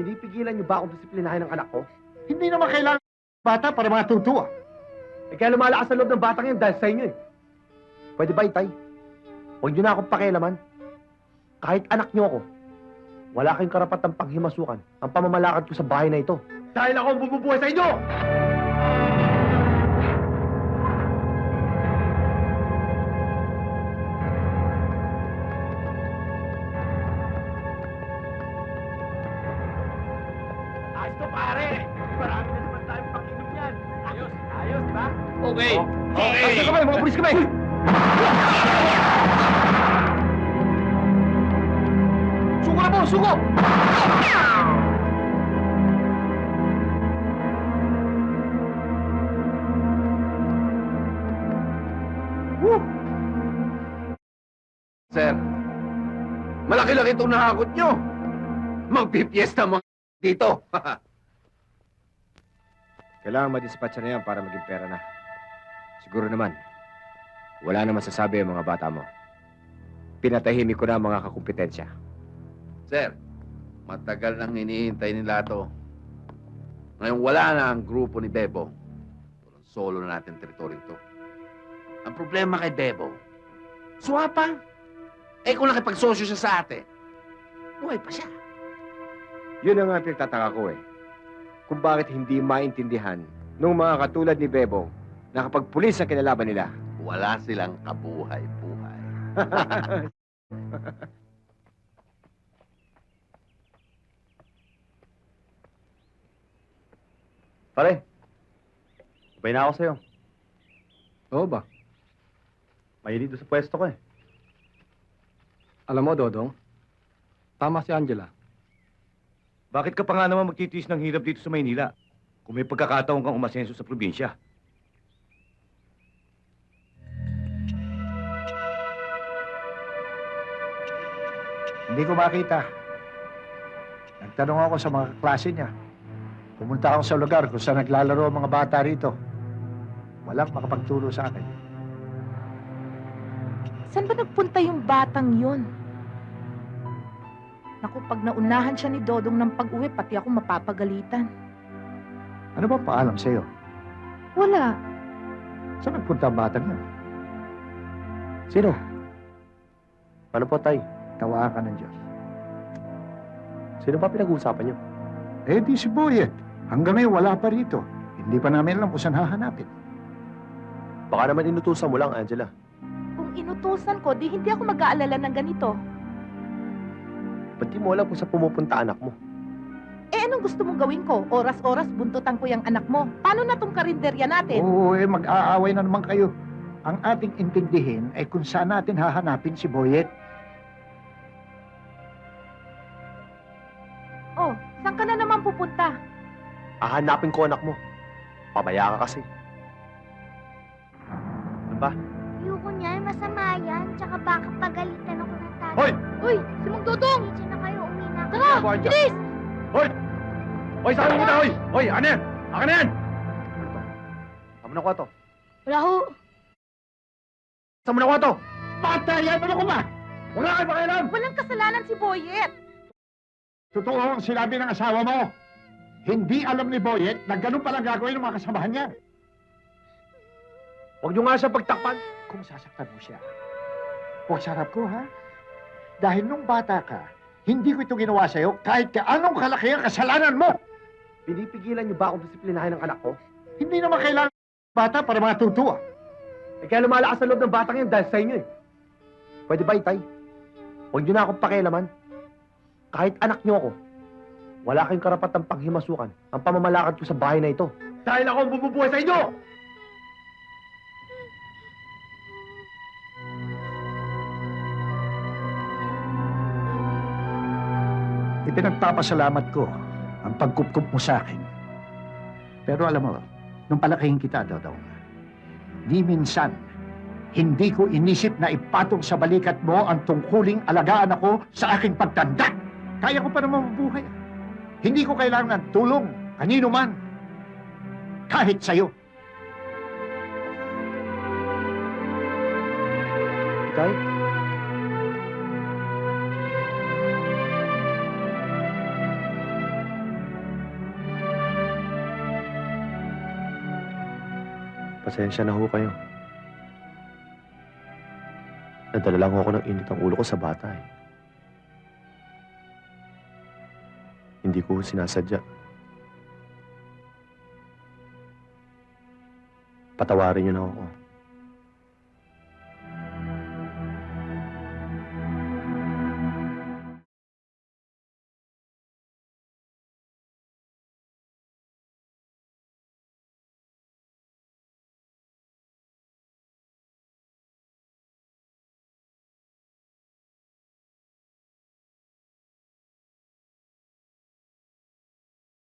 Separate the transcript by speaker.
Speaker 1: Pinipigilan niyo ba akong disiplinahin ng anak ko?
Speaker 2: Hindi naman kailangan bata para matutuwa.
Speaker 1: Eh kaya lumalakas sa loob ng batang yan dahil sa inyo eh. Pwede ba, Itay? Huwag niyo na akong pakialaman. Kahit anak niyo ako, wala kayong karapatang paghimasukan ang pamamalakad ko sa bahay na ito. Dahil ako ang bumubuhay sa inyo! Ayos to, pare! Marami na naman tayong pakinom yan. Ayos, ayos, di ba?
Speaker 3: Okay.
Speaker 1: Okay! Ayos kami, mga pulis kami! Suko na po, suko! Woo!
Speaker 3: Sir, malaki-laki itong nahakot nyo. Magpipiesta mga dito.
Speaker 4: Kailangan madispatcha na yan para maging pera na. Siguro naman, wala naman sasabi ang mga bata mo. Pinatahimik ko na ang mga kakumpetensya.
Speaker 3: Sir, matagal nang hinihintay nila to. Ngayon wala na ang grupo ni Bebo. Solo na natin teritoryo to. Ang problema kay Bebo, swapang. Eh kung nakipagsosyo siya sa atin, buhay pa siya.
Speaker 4: Yun ang nga pinagtataka ko eh. Kung bakit hindi maintindihan ng mga katulad ni Bebo na kapag pulis ang kinalaban nila.
Speaker 3: Wala silang kabuhay-buhay.
Speaker 1: Pare, sabay na ako sa'yo.
Speaker 5: Oo ba?
Speaker 1: Mahilig doon sa pwesto ko eh.
Speaker 5: Alam mo, Dodong, tama si Angela.
Speaker 2: Bakit ka pa nga naman magtitiis ng hirap dito sa Maynila kung may pagkakataon kang umasenso sa probinsya?
Speaker 6: Hindi ko makita. Nagtanong ako sa mga klase niya. Pumunta ako sa lugar kung saan naglalaro ang mga bata rito. Walang makapagturo sa akin.
Speaker 7: Saan ba nagpunta yung batang yun? Naku, pag naunahan siya ni Dodong ng pag-uwi, pati ako mapapagalitan.
Speaker 6: Ano ba paalam sa'yo?
Speaker 7: Wala.
Speaker 6: Saan nagpunta ang batang yun?
Speaker 1: Sino? Ano po, Tay?
Speaker 6: Tawaan ka ng Diyos.
Speaker 1: Sino ba pinag-uusapan niyo?
Speaker 6: Eh di si Boyet. Hanggang ngayon wala pa rito. Hindi pa namin alam kung saan hahanapin.
Speaker 1: Baka naman inutusan mo lang, Angela.
Speaker 7: Kung inutusan ko, di hindi ako mag-aalala ng ganito.
Speaker 1: Ba't di mo alam kung saan pumupunta anak mo?
Speaker 7: Eh, anong gusto mong gawin ko? Oras-oras buntutan ko yung anak mo. Paano na tong karinderya natin?
Speaker 6: Oo, mag-aaway na naman kayo. Ang ating intindihin ay kung saan natin hahanapin si Boyet.
Speaker 7: Oh, saan ka na naman pupunta?
Speaker 1: Hahanapin ko anak mo. Pabaya ka kasi. Ano ba?
Speaker 8: Ayoko niyan, masama yan. Tsaka baka pagalitan ako ng tatay.
Speaker 1: Hoy!
Speaker 7: Uy, si Mang Dodong!
Speaker 8: Diyan na kayo, uwi na ako.
Speaker 7: Tara, bilis!
Speaker 1: Hoy! Hoy, saan mo muna, hoy! Hoy, ano yan? Akin na yan! Saan mo nakuha to?
Speaker 8: Wala ho.
Speaker 1: Saan mo nakuha to?
Speaker 6: Patayan mo ko ba?
Speaker 1: Wala kayo pakialam!
Speaker 7: Walang kasalanan si Boyet.
Speaker 6: Totoo ang sinabi ng asawa mo. Hindi alam ni Boyet na ganun palang gagawin ng mga kasamahan niya.
Speaker 1: Huwag niyo nga siya pagtakpan.
Speaker 6: Kung sasaktan mo siya, huwag sarap ko, ha? Dahil nung bata ka, hindi ko ito ginawa sa'yo kahit anong kalaki ang kasalanan mo.
Speaker 1: Pinipigilan niyo ba akong disiplinahin ng anak ko?
Speaker 6: Hindi naman kailangan bata para matutuwa.
Speaker 1: Eh kaya lumalakas sa loob ng batang yan dahil sa inyo eh. Pwede ba, Itay? Huwag niyo na akong pakialaman. Kahit anak niyo ako, wala kayong karapatang paghimasukan ang pamamalakad ko sa bahay na ito. Dahil ako ang bumubuhay sa inyo!
Speaker 6: Ipinagpapasalamat ko ang pagkupkup mo sa akin. Pero alam mo, nung palakihin kita, Dodong, di minsan, hindi ko inisip na ipatong sa balikat mo ang tungkuling alagaan ako sa aking pagtanda. Kaya ko pa naman mabuhay. Hindi ko kailangan ng tulong, kanino man. Kahit sa'yo.
Speaker 1: Itay? Pasensya na ho kayo. Nadala lang ako ng init ang ulo ko sa bata eh. Hindi ko sinasadya. Patawarin niyo na ako.